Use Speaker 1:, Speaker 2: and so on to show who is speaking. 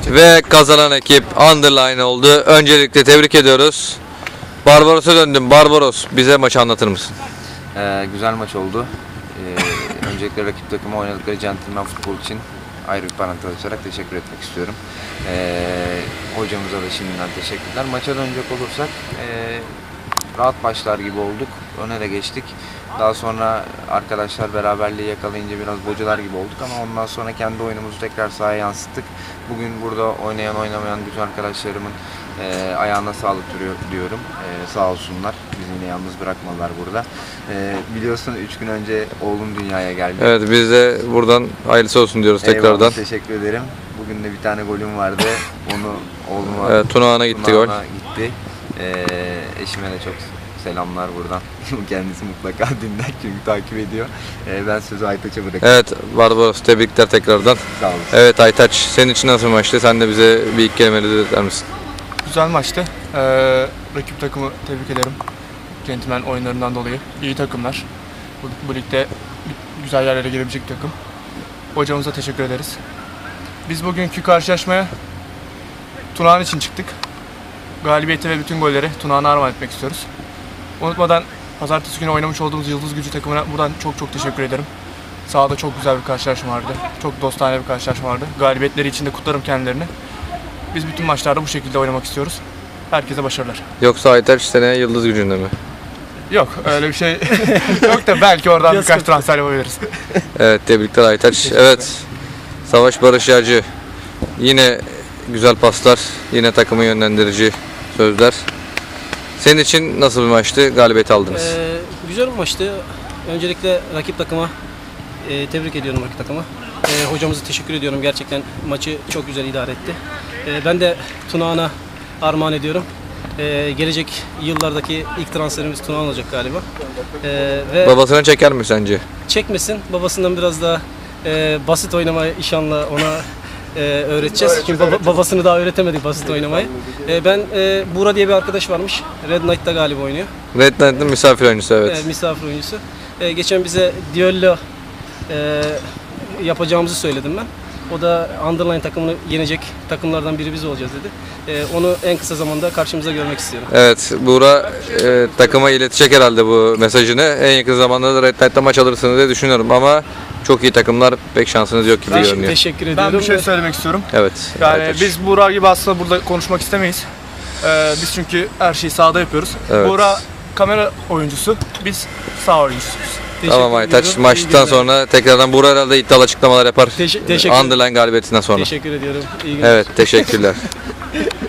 Speaker 1: ve kazanan ekip Underline oldu. Öncelikle tebrik ediyoruz. Barbaros'a döndüm. Barbaros, bize maçı anlatır mısın?
Speaker 2: Güzel maç oldu. Öncelikle rakip takıma oynadıkları centilmen futbol için ayrı bir parantez açarak teşekkür etmek istiyorum. Hocamıza da şimdiden teşekkürler. Maça dönecek olursak rahat başlar gibi olduk. Öne de geçtik. Daha sonra arkadaşlar beraberliği yakalayınca biraz bocalar gibi olduk ama ondan sonra kendi oyunumuzu tekrar sahaya yansıttık. Bugün burada oynayan oynamayan bütün arkadaşlarımın ayağına sağlık diyorum. Sağ olsunlar. Bizi yine yalnız bırakmadılar burada. Biliyorsun 3 gün önce oğlum dünyaya geldi.
Speaker 1: Evet, biz de buradan hayırlısı olsun diyoruz tekrardan.
Speaker 2: Eyvallah, teşekkür ederim. Bugün de bir tane golüm vardı. Onu oğluma
Speaker 1: Evet, Tunağan'a gitti gol.
Speaker 2: Gitti. Eşime de çok selamlar buradan. Kendisi mutlaka dinler çünkü takip ediyor. Ben sözü Aytaç'a bırakıyorum.
Speaker 1: Evet, Barbaros, tebrikler tekrardan.
Speaker 2: Sağ olasın.
Speaker 1: Evet Aytaç, senin için nasıl bir maçtı? Sen de bize bir iki kelimeyle eder misin?
Speaker 3: Güzel maçtı. Rakip takımı tebrik ederim. Centilmen oyunlarından dolayı. İyi takımlar. Bu ligde güzel yerlere gelebilecek bir takım. Hocamıza teşekkür ederiz. Biz bugünkü karşılaşmaya Tunağan için çıktık. Galibiyeti ve bütün golleri Tunağan'a armağan etmek istiyoruz. Unutmadan pazartesi günü oynamış olduğumuz Yıldız Gücü takımına buradan çok teşekkür ederim. Sahada çok güzel bir karşılaşma vardı. Çok dostane bir karşılaşma vardı. Galibiyetleri için de kutlarım kendilerini. Biz bütün maçlarda bu şekilde oynamak istiyoruz. Herkese başarılar.
Speaker 1: Yoksa Aytaç seneye Yıldız Gücü'nde mi?
Speaker 3: Yok, öyle bir şey yok da belki oradan birkaç transfer yapabiliriz.
Speaker 1: Evet, tebrikler Aytaç. Evet, Savaş Barış Yağcı. Yine güzel paslar, yine takımı yönlendirici sözler. Senin için nasıl bir maçtı? Galibiyet aldınız.
Speaker 4: Güzel bir maçtı. Öncelikle rakip takıma tebrik ediyorum rakip takıma. Hocamıza teşekkür ediyorum. Gerçekten maçı çok güzel idare etti. Ben de Tunağan'a armağan ediyorum. Gelecek yıllardaki ilk transferimiz Tunağan olacak galiba. Ve
Speaker 1: Babasına çeker mi sence?
Speaker 4: çekmesin. Babasından biraz daha basit oynamayı inşallah ona öğreteceğiz. Çünkü babasını daha öğretemedik basit oynamayı. Ben Buğra diye bir arkadaş varmış. Red Knight'ta galiba oynuyor.
Speaker 1: Red Knight'ın misafir oyuncusu, evet.
Speaker 4: Misafir oyuncusu. Geçen bize düello yapacağımızı söyledim ben. O da Underline takımını yenecek takımlardan biri biz olacağız dedi. Onu en kısa zamanda karşımıza görmek istiyorum.
Speaker 1: Evet, Buğra takıma iletecek herhalde bu mesajını. En yakın zamanda da Red Knight'ta maç alırsınız diye düşünüyorum ama çok iyi takımlar, pek şansınız yok gibi görünüyor.
Speaker 4: Teşekkür ediyorum.
Speaker 3: Ben bir şey söylemek istiyorum.
Speaker 1: Evet.
Speaker 3: Yani
Speaker 1: Aytaç.
Speaker 3: biz Buğra gibi aslında burada konuşmak istemeyiz. Biz çünkü her şeyi sahada yapıyoruz.
Speaker 1: Evet.
Speaker 3: Buğra kamera oyuncusu, biz saha oyuncusuyuz.
Speaker 1: Tamam Aytaç,
Speaker 4: ediyorum.
Speaker 1: maçtan sonra tekrardan Buğra herhalde iddialı açıklamalar yapar.
Speaker 4: Teşekkür
Speaker 1: Underline galibiyetinden sonra.
Speaker 4: Teşekkür ediyorum. İyi günler.
Speaker 1: Evet, teşekkürler.